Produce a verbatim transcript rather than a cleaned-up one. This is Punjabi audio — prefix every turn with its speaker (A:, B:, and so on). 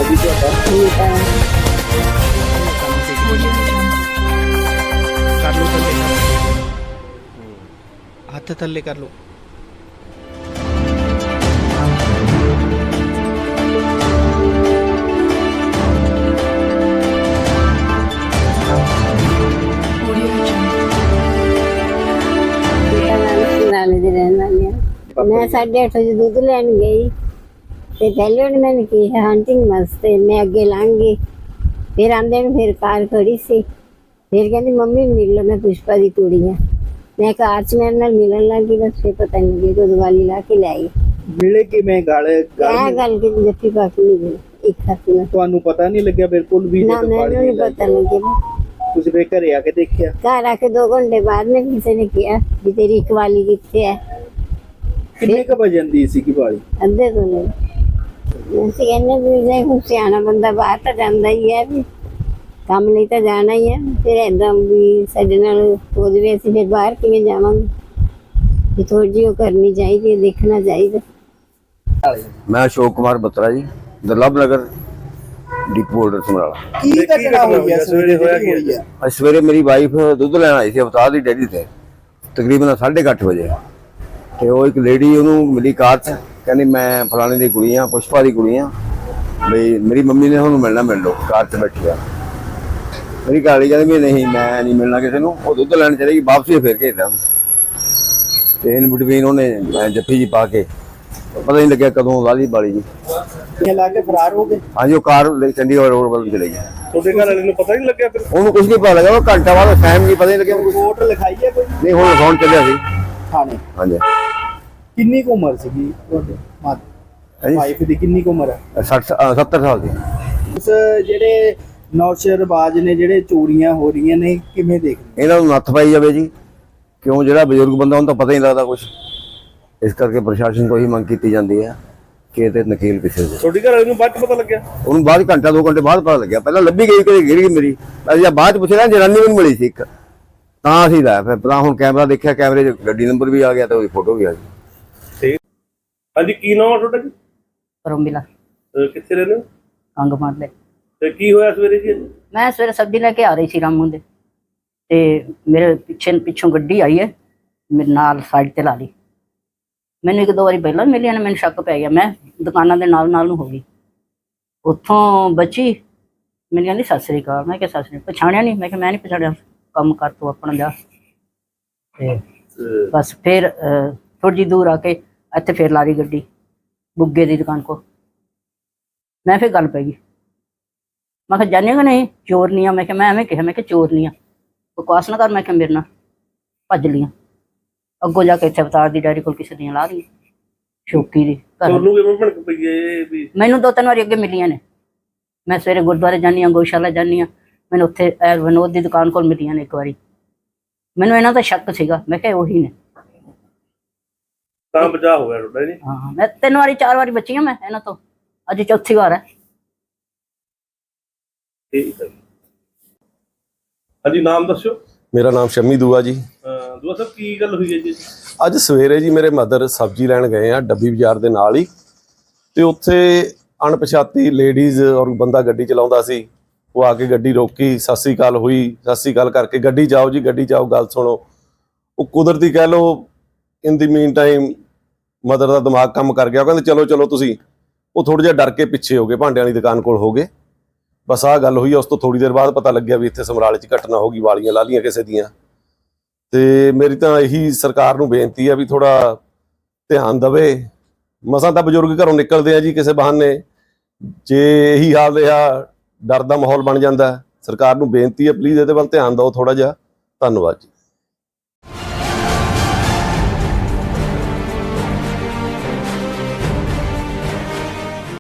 A: ਜੀ ਤੁਹਾਡਾ?
B: ਕਰ ਲਓ ਥੱਲੇ, ਹੱਥ ਥੱਲੇ ਕਰ ਲਓ।
C: ਦੇ ਰਹਿਣ ਵਾਲੀ ਹਾਂ। ਮੈਂ ਸਾਢੇ ਅੱਠ ਵਜੇ ਦੁੱਧ ਲੈਣ ਗਈ ਤੇ ਪਹਿਲੇ ਉਹਨੇ ਮੈਨੂੰ ਕਿਹਾ ਹੰਟਿੰਗ ਵਾਸਤੇ, ਮੈਂ ਅੱਗੇ ਲੰਘ ਗਈ। ਫਿਰ ਆਂਦੇ ਨੂੰ ਫਿਰ ਕਾਰ ਖੜੀ ਸੀ, ਫਿਰ ਕਹਿੰਦੀ ਮੰਮੀ ਮਿਲ ਲਓ, ਮੈਂ ਪੁਸ਼ਪਾ ਦੀ ਕੁੜੀ ਹਾਂ। ਮੈਂ ਕਾਰ 'ਚ ਮੇਰੇ ਨਾਲ ਮਿਲਣ ਲੱਗ ਗਈ, ਬਸ ਫਿਰ ਪਤਾ ਨਹੀਂ ਲੱਗੀ ਕਦੋਂ ਦੀਵਾਲੀ ਲਾ ਕੇ ਲੈ ਗਈ।
A: ਮਿਲੇ ਕਿਵੇਂ? ਗਾਲ
C: ਇਹ ਗੱਲ ਕਿ ਜੱਫੀ ਪਾ ਕੇ ਨਹੀਂ ਗਈ ਇੱਕ ਹੱਥ ਨਾਲ।
A: ਤੁਹਾਨੂੰ ਪਤਾ ਨਹੀਂ ਲੱਗਿਆ ਬਿਲਕੁਲ ਵੀ?
C: ਨਾ ਮੈਨੂੰ ਨਹੀਂ ਪਤਾ ਲੱਗਿਆ।
A: ਤੁਸੀਂ ਫੇਰ ਘਰੇ ਆ ਕੇ ਦੇਖਿਆ?
C: ਘਰ ਆ ਕੇ ਦੋ ਘੰਟੇ ਬਾਅਦ में किसी ने किया कि तेरी इकवाली कितने है।
A: ਕਿੰਨੇ ਕ ਵਜਨ ਦੀ ਸੀ ਵਾਲੀ?
C: ਅੱਧੇ ਤੋਂ ਨਹੀਂ ਅਸੀਂ ਕਹਿੰਦੇ ਵੀ ਜੇ ਹੁਣ ਸਿਆਣਾ ਬੰਦਾ ਬਾਹਰ ਤਾਂ ਜਾਂਦਾ ਹੀ ਹੈ, ਵੀ ਕੰਮ ਲਈ ਤਾਂ ਜਾਣਾ ਹੀ ਹੈ। ਫਿਰ ਏਦਾਂ ਵੀ ਸਾਡੇ ਨਾਲ ਹੋ ਜਾਵੇ ਅਸੀਂ ਫਿਰ ਬਾਹਰ ਕਿਵੇਂ ਜਾਵਾਂਗੇ? ਵੀ ਥੋੜੀ ਜਿਹੀ ਉਹ ਕਰਨੀ ਚਾਹੀਦੀ ਹੈ, ਦੇਖਣਾ ਚਾਹੀਦਾ।
D: मैं अशोक कुमार बत्रा जी, दुर्लभ नगर डिपो होल्डर समराला।
A: ਕੀ ਘਟਨਾ ਹੋਈ ਹੈ? ਸਵੇਰੇ ਹੋਇਆ ਕੀ ਹੈ?
D: ਅੱਜ ਸਵੇਰੇ ਮੇਰੀ ਵਾਈਫ ਦੁੱਧ ਲੈਣ ਆਈ ਸੀ ਅਵਤਾਰ ਦੀ ਡੈਰੀ ਤੇ, ਤਕਰੀਬਨ ਸਾਢੇ ਕੁ ਅੱਠ ਵਜੇ। ਤੇ ਉਹ ਇੱਕ ਲੇਡੀ ਉਹਨੂੰ ਮਿਲੀ ਕਾਰ 'ਚ, ਕਹਿੰਦੀ ਮੈਂ ਫਲਾਣੇ ਦੀ ਕੁੜੀ ਆ, ਪੁਸ਼ਪਾ ਦੀ ਕੁੜੀ ਆ, ਬਈ ਮੇਰੀ ਮੰਮੀ ਨੇ ਉਹਨੂੰ ਮਿਲਣਾ, ਮਿਲ ਲਓ। ਕਾਰ 'ਚ ਬੈਠੀ ਆ। ਮੇਰੀ ਘਰ ਵਾਲੀ ਕਹਿੰਦੀ ਵੀ ਨਹੀਂ ਮੈਂ ਨਹੀਂ ਮਿਲਣਾ ਕਿਸੇ ਨੂੰ। ਉਹ ਦੁੱਧ ਲੈਣ ਚਲੇ ਗਈ, ਵਾਪਸੀ ਫੇਰ ਕੇ ਇੱਦਾਂ ਤੇ ਇਨ ਬਿਟਵੀਨ ਉਹਨੇ ਜੱਫੀ ਜੀ ਪਾ ਕੇ ਪਤਾ ਨਹੀਂ ਲੱਗਿਆ ਕਦੋਂ ਲਾਲੀ ਬਾਲੀ ਜੀ
A: ਇਹ ਲਾ ਕੇ ਫਰਾਰ ਹੋ ਗਏ?
D: ਹਾਂਜੀ, ਉਹ ਕਾਰ ਚੰਡੀਗੜ੍ਹ ਰੋਡ ਵੱਲ ਚਲੇ ਗਈ।
A: ਤੁਹਾਡੇ ਘਰ ਵਾਲੇ ਨੂੰ ਪਤਾ ਨਹੀਂ ਲੱਗਿਆ? ਫਿਰ
D: ਉਹਨੂੰ ਕੁਝ ਨਹੀਂ ਪਤਾ ਲੱਗਾ, ਉਹ ਘੰਟਾ ਬਾਅਦ ਟਾਈਮ ਨਹੀਂ ਪਤਾ ਨਹੀਂ ਲੱਗਿਆ।
A: ਰਿਪੋਰਟ ਲਿਖਾਈ ਹੈ ਕੋਈ?
D: ਨਹੀਂ, ਹੁਣ ਫੋਨ ਚੱਲਿਆ ਸੀ
A: ਥਾਣੇ।
D: ਹਾਂਜੀ।
A: ਕਿੰਨੀ ਕੁ ਉਮਰ ਸੀਗੀ ਤੁਹਾਡੇ
D: ਹਾਂਜੀ,
A: ਵਾਈਫ ਦੀ? ਕਿੰਨੀ ਕੁ ਉਮਰ ਹੈ?
D: ਸੱਠ ਸੱਤਰ ਸਾਲ ਦੀ।
A: ਉਸ ਜਿਹੜੇ ਨੌਸ਼ਰਬਾਜ਼ ਨੇ, ਜਿਹੜੇ ਚੋਰੀਆਂ ਹੋ ਰਹੀਆਂ ਨੇ, ਕਿਵੇਂ ਦੇਖਦੇ?
D: ਇਹਨਾਂ ਨੂੰ ਨੱਥ ਪਾਈ ਜਾਵੇ ਜੀ, ਕਿਉਂ ਜਿਹੜਾ ਬਜ਼ੁਰਗ ਬੰਦਾ ਉਹਨੂੰ ਤਾਂ ਪਤਾ ਹੀ ਨਹੀਂ ਲੱਗਦਾ ਕੁਝ। ਇਸ ਕਰਕੇ ਪ੍ਰਸ਼ਾਸਨ ਤੋਂ ਹੀ ਮੰਗ ਕੀਤੀ ਜਾਂਦੀ ਹੈ ਕਿ ਇਹ ਤੇ ਨਕੀਲ ਪਿੱਛੇ ਦੇ।
A: ਤੁਹਾਡੇ ਘਰ ਵਾਲੇ ਨੂੰ ਬਾਅਦ ਚ ਪਤਾ ਲੱਗਿਆ?
D: ਉਹਨੂੰ ਬਾਅਦ ਘੰਟਾ ਦੋ ਘੰਟੇ ਬਾਅਦ ਪਤਾ ਲੱਗਿਆ। ਪਹਿਲਾਂ ਲੱਭੀ ਗਈ, ਕਦੇ ਗਿਰ ਗਈ ਮੇਰੀ। ਅਸੀਂ ਬਾਅਦ ਚ ਪੁੱਛਿਆ ਜਨਾਨੀ ਮੈਨੂੰ ਮਿਲੀ ਸੀ ਇੱਕ, ਤਾਂ ਅਸੀਂ ਲੈ ਫਿਰ ਪਤਾ ਹੁਣ ਕੈਮਰਾ ਦੇਖਿਆ, ਕੈਮਰੇ 'ਚ ਗੱਡੀ ਨੰਬਰ ਵੀ ਆ ਗਿਆ ਤੇ ਉਹਦੀ ਫੋਟੋ ਵੀ ਆ ਗਈ।
A: ਠੀਕ। ਹਾਂਜੀ, ਕੀ ਨਾਮ ਆ ਤੁਹਾਡਾ ਜੀ?
E: ਰੋਮਿਲਾ।
A: ਕਿੱਥੇ ਰਹਿੰਦੇ ਹੋ?
E: ਅੰਗ ਮਾਰਲੇ।
A: ਤੇ ਕੀ ਹੋਇਆ ਸਵੇਰੇ ਜੀ?
E: ਮੈਂ ਸਵੇਰੇ ਸਬਜ਼ੀ ਲੈ ਕੇ ਆ ਰਹੀ ਸੀ ਰਾਮੂ ਦੇ, ਤੇ ਮੇਰੇ ਪਿੱਛੇ ਪਿੱਛੋਂ ਗੱਡੀ ਆਈ ਹੈ, ਮੇਰੇ ਨਾਲ ਸਾਈਡ ਤੇ ਲਾ ਲਈ। ਮੈਨੂੰ ਇੱਕ ਦੋ ਵਾਰੀ ਪਹਿਲਾਂ ਮਿਲਿਆ ਨੇ, ਮੈਨੂੰ ਸ਼ੱਕ ਪੈ ਗਿਆ। ਮੈਂ ਦੁਕਾਨਾਂ ਦੇ ਨਾਲ ਨਾਲ ਨੂੰ ਹੋ ਗਈ। ਉੱਥੋਂ ਬੱਚੀ ਮੈਨੂੰ ਕਹਿੰਦੀ ਸਤਿ ਸ੍ਰੀ ਅਕਾਲ। ਮੈਂ ਕਿਹਾ ਸਤਿ ਸ੍ਰੀ ਅਕਾਲ। ਪਛਾਣਿਆ ਨਹੀਂ। ਮੈਂ ਕਿਹਾ ਮੈਂ ਨਹੀਂ ਪਛਾਣਿਆ, ਕੰਮ ਕਰ ਤੂੰ ਆਪਣਾ ਜਾ। ਤੇ ਬਸ ਫਿਰ ਥੋੜੀ ਜਿਹੀ ਦੂਰ ਆ ਕੇ ਇੱਥੇ ਫਿਰ ਲਾ ਰਹੀ ਗੱਡੀ ਬੁੱਗੇ ਦੀ ਦੁਕਾਨ ਕੋ। ਮੈਂ ਫਿਰ ਗੱਲ ਪੈ ਗਈ। ਮੈਂ ਕਿਹਾ ਜਾਣੇਗਾ ਨਹੀਂ ਚੋਰ ਨਹੀਂ ਆ। ਮੈਂ ਕਿਹਾ ਮੈਂ ਐਵੇਂ ਕਿਹਾ, ਮੈਂ ਕਿਹਾ ਚੋਰ ਨਹੀਂ ਆ, ਬਕਵਾਸ ਨਾ ਕਰ। ਮੈਂ ਕਿਹਾ ਮੇਰੇ ਨਾਲ ਭੱਜ ਲੀਆਂ। ਅੱਗੋਂ ਜਾ ਕੇ ਇੱਥੇ ਅਵਤਾਰ ਦੀ ਡੈਰੀ ਕੋਲ ਕਿਸੇ ਦੀਆਂ ਲਾ ਰਹੀ ਸ਼ੌਕੀ ਦੀ। ਮੈਨੂੰ ਦੋ ਤਿੰਨ ਵਾਰੀ ਅੱਗੇ ਮਿਲੀਆਂ ਨੇ। ਮੈਂ ਸਵੇਰੇ ਗੁਰਦੁਆਰੇ ਜਾਂਦੀ ਹਾਂ, ਗਊਸ਼ਾਲਾ ਜਾਂਦੀ ਹਾਂ, ਮੈਨੂੰ ਉੱਥੇ ਵਿਨੋਦ ਦੀ ਦੁਕਾਨ ਕੋਲ ਮਿਲੀਆਂ ਨੇ ਇੱਕ ਵਾਰੀ। ਮੈਨੂੰ ਇਹਨਾਂ ਦਾ ਸ਼ੱਕ ਸੀਗਾ, ਮੈਂ ਕਿਹਾ ਉਹੀ ਨੇ।
A: ਤਾਂ ਬਚਾ ਹੋ ਗਿਆ ਤੁਹਾਡਾ ਜੀ?
E: ਹਾਂ, ਮੈਂ ਤਿੰਨ ਵਾਰੀ ਚਾਰ ਵਾਰੀ ਬਚੀ ਹਾਂ ਮੈਂ ਇਹਨਾਂ ਤੋਂ, ਅੱਜ ਚੌਥੀ ਵਾਰ ਹੈ।
A: ਠੀਕ ਹੈ। ਹਾਂਜੀ, ਨਾਮ ਦੱਸਿਓ।
F: ਮੇਰਾ ਨਾਮ ਸ਼ਮੀ ਦੂਆ ਜੀ।
A: ਦੂਆ ਸਾਹਿਬ, ਕੀ ਗੱਲ ਹੋਈ ਹੈ ਜੀ?
F: ਅੱਜ ਸਵੇਰੇ ਜੀ ਮੇਰੇ ਮਦਰ ਸਬਜ਼ੀ ਲੈਣ ਗਏ ਆ ਡੱਬੀ ਬਾਜ਼ਾਰ ਦੇ ਨਾਲ ਹੀ, ਤੇ ਉੱਥੇ ਅਣਪਛਾਤੀ ਲੇਡੀਜ਼ ਔਰ ਬੰਦਾ ਗੱਡੀ ਚਲਾਉਂਦਾ ਸੀ। ਉਹ ਆ ਕੇ ਗੱਡੀ ਰੋਕੀ, ਸਤਿ ਸ੍ਰੀ ਅਕਾਲ ਹੋਈ, ਸਤਿ ਸ੍ਰੀ ਅਕਾਲ ਕਰਕੇ ਗੱਡੀ ਜਾਓ ਜੀ, ਗੱਡੀ ਜਾਓ, ਗੱਲ ਸੁਣੋ। ਉਹ ਕੁਦਰਤੀ ਕਹਿ ਲਓ ਇਨ ਦੀ ਮੀਨ ਟਾਈਮ ਮਦਰ ਦਾ ਦਿਮਾਗ ਕੰਮ ਕਰ ਗਿਆ। ਉਹ ਕਹਿੰਦੇ ਚਲੋ ਚਲੋ ਤੁਸੀਂ। ਉਹ ਥੋੜ੍ਹਾ ਜਿਹਾ ਡਰ ਕੇ ਪਿੱਛੇ ਹੋ ਗਏ, ਭਾਂਡਿਆਂ ਵਾਲੀ ਦੁਕਾਨ ਕੋਲ ਹੋ ਗਏ। ਬਸ ਆਹ ਗੱਲ ਹੋਈ। ਉਸ ਤੋਂ ਥੋੜ੍ਹੀ ਦੇਰ ਬਾਅਦ ਪਤਾ ਲੱਗਿਆ ਵੀ ਇੱਥੇ ਸਮਰਾਲੇ 'ਚ ਘਟਨਾ ਹੋ ਗਈ, ਵਾਲੀਆਂ ਲਾ ਲਈਆਂ ਕਿਸੇ ਦੀਆਂ। ਤੇ ਮੇਰੀ ਤਾਂ ਇਹੀ ਸਰਕਾਰ ਨੂੰ ਬੇਨਤੀ ਹੈ ਵੀ ਥੋੜਾ ਧਿਆਨ ਦੇਵੇ। ਮਸਾਂ ਤਾਂ ਬਜ਼ੁਰਗ ਘਰੋਂ ਨਿਕਲਦੇ ਆ ਜੀ ਕਿਸੇ ਬਹਾਨੇ, ਜੇ ਇਹੀ ਹਾਲ ਰਿਹਾ ਡਰ ਦਾ ਮਾਹੌਲ ਬਣ ਜਾਂਦਾ। ਸਰਕਾਰ ਨੂੰ ਬੇਨਤੀ ਹੈ ਪਲੀਜ਼ ਇਹਦੇ ਵੱਲ ਧਿਆਨ ਦਿਓ ਥੋੜਾ ਜਿਹਾ। ਧੰਨਵਾਦ ਜੀ।